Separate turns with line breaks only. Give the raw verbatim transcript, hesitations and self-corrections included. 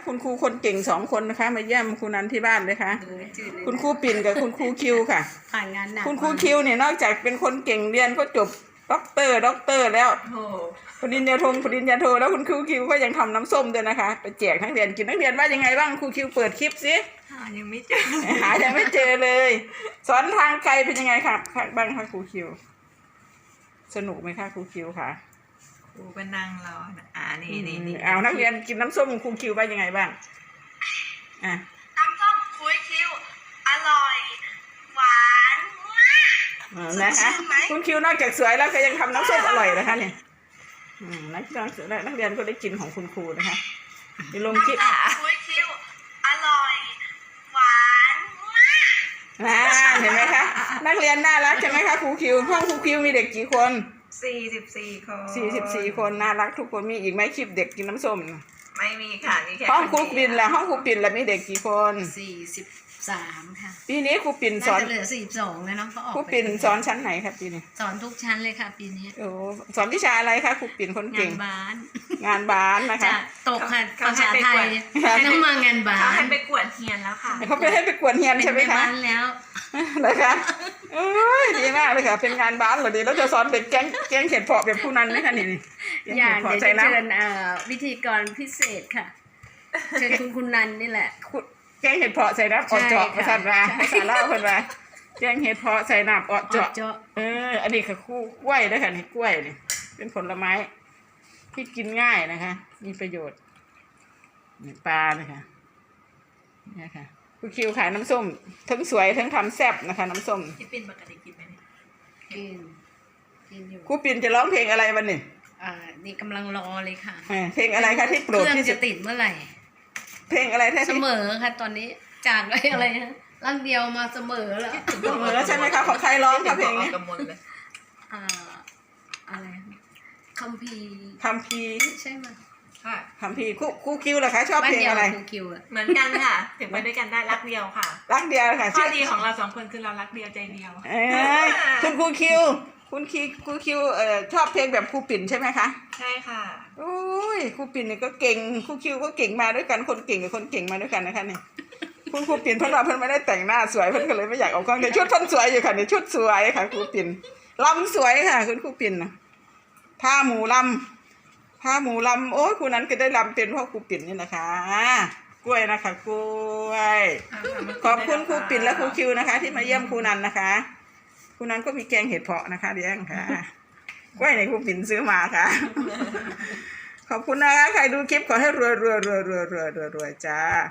คุณครูคนเก่งสองคนนะคะมาเยี่ยมครูนันที่บ้านเลยค่ะคุณครูปิ่นกับคุณครูคิวค่ะ
ผ่านงานหนัก
คุณครูคิวเนี่ยนอกจากเป็นคนเก่งเรียนก็จบด็อกเตอร์ด็อกเตอร์แล้วปริญญาโทปริญญาโทแล้วคุณครูคิวก็ยังทำน้ำส้มด้วยนะคะไปแจกนักเรียนกินนักเรียนว่ายังไงบ้างครูคิวเปิดคลิปสิ
หายังไม่เจอ
หายังไม่เจอเลยสอนทางไกลเป็นยังไงครับบ้างคะครูคิวสนุกไหมคะครูคิวค่ะ
ครูก็นั่งรออ่านี่นี่นี่
เอานักเรียนกินน้ำส้มครูคิวว่ายังไงบ้างอ่ะ
น้ำส้มครูคิวอร่อยหวานมาก
นะคะคุณคิวนอกจากสวยแล้วก็ยังทำน้ำส้มอร่อยนะคะเนี่ยนักนักเรียนก็ได้กินของคุณครูนะคะมีลงคลิป
ครูคิวอร่อยหวานมาก
นะเห็นไหมคะนักเรียนน่ารักใช่ไหมคะครูคิวห้องครูคิวมีเด็กกี่คน
สี่สิบสี่คน
สี่สิบสี่คนน่ารักทุกคนมีอีกไหมคลิปเด็กกินน้ำส้ม
ไม่มีค่ะมีแค่
ห้องครูปิ่นละห้องครูปิ่นละมีเด็กกี่คน
สี่สิบสามค่ะ
ปีนี้ครูปิ่นสอน
เหลือสี่สิบสองเลยเนาะเขาออก
ครูปิ่นสอนชั้นไหนครับปีนี้
สอนทุกชั้นเลยค่ะปีนี้
โอ้สอนวิชาอะไรคะครูปิ่นคนเก่ง
งานบ้าน
งานบ้านนะคะ
ตกค่ะภาษาไทยต้องมางานบ้าน
เขาให้ไปกวดเฮียนแล้วค่ะ
เขาไปให้ไปกวดเฮียนใช่ไหมคะ
เป็นบ้านแล้ว
นะคะโอ้ยดีมากเลยค่ะเป็นงานบ้านเหรอดีแล้วจะสอนเด็กแกงแกงเห็ดเพาะแบบผู้นั้นไหมคะนี่นี่
อย่างเดี๋ยวจะเชิญวิธีกรพิเศษค่ะเชิญคุณคุณนันนี่แหละ
แกงเห็ดเพาะใส่น้ำออดเจาะมาสั่นมาภาษาเล่าคนมาแกงเห็ดเพาะใส่น้ำออดเจาะเอออันนี้คือคู่กล้วยด้วยค่ะนี่กล้วยนี่เป็นผลไม้ที่กินง่ายนะคะมีประโยชน์นี่ปลานะคะนี่ค่ะคุณคิวขายน้ำส้มทั้งสวยทั้งทำแซ่บนะคะน้ำส้ม
ที่ปิ่นปกติกินไหม
กินกินอยู่
ครูปิ่นจะร้องเพลงอะไรวันนี้
อ่านี่กำลังรอเลยค่ะ
เพลงอะไรคะที่โปรดที่
จะติดเมื่อไหร่
เพลงอะไรแท้
เสมอค่ะตอนนี้จากอะไรอะไรนะร่างเดียวมาเสมอแล้ว
เสมอใช่ไหมคะของใครร้องคะเพลงนี้
อ่าอะไรคัมภีร์
คัมภีร์
ใช่ไหม
ค่ะ
คัมภีร์ครูครูคิวเหรอคะชอบเพลงอะไร
ครูคิว
เหมือนกันค่ะถึงไปด้วยกันได้รักเดียวค่ะ
รักเดียวค่ะ
ข้อดีของเราสองคนคือเรารักเดียวใจเดียว
เออคุณครูคิวคุณคิวครูคิวเอ่อชอบเพลงแบบครูปิ่นใช่ไหมคะ
ใช่ค่ะ
โอ้ยครูปิ่นเนี่ยก็เก่งครูคิวก็เก่งมาด้วยกันคนเก่งกับคนเก่งมาด้วยกันนะคะเนี่ยคุณครูปิ่นเพิ่นว่าเพิ่นไม่ได้แต่งหน้าสวยเพิ่นก็เลยไม่อยากเอากล้องแต่ชุดเพิ่นสวยอยู่ค่ะเนี่ยชุดสวยค่ะครูปิ่นลำสวยค่ะคุณครูปิ่นนะผ้าหมูลำผ้าหมูลำโอ้ยครูนั้นก็ได้ลำเป็นเพราะครูปิ่นนี่นะคะกล้วยนะคะกล้วยขอบคุณครูปิ่นและครูคิวนะคะ ที่มาเยี่ยมครูนันนะคะครูนันก็มีแกงเห็ดเพาะนะคะเดี๋ยวค่ะกล้วยในครูปิ่นซื้อมาค่ะขอบคุณนะคะใครดูคลิปขอให้รวยรวยรวยรวยรวยรวยรวยจ้า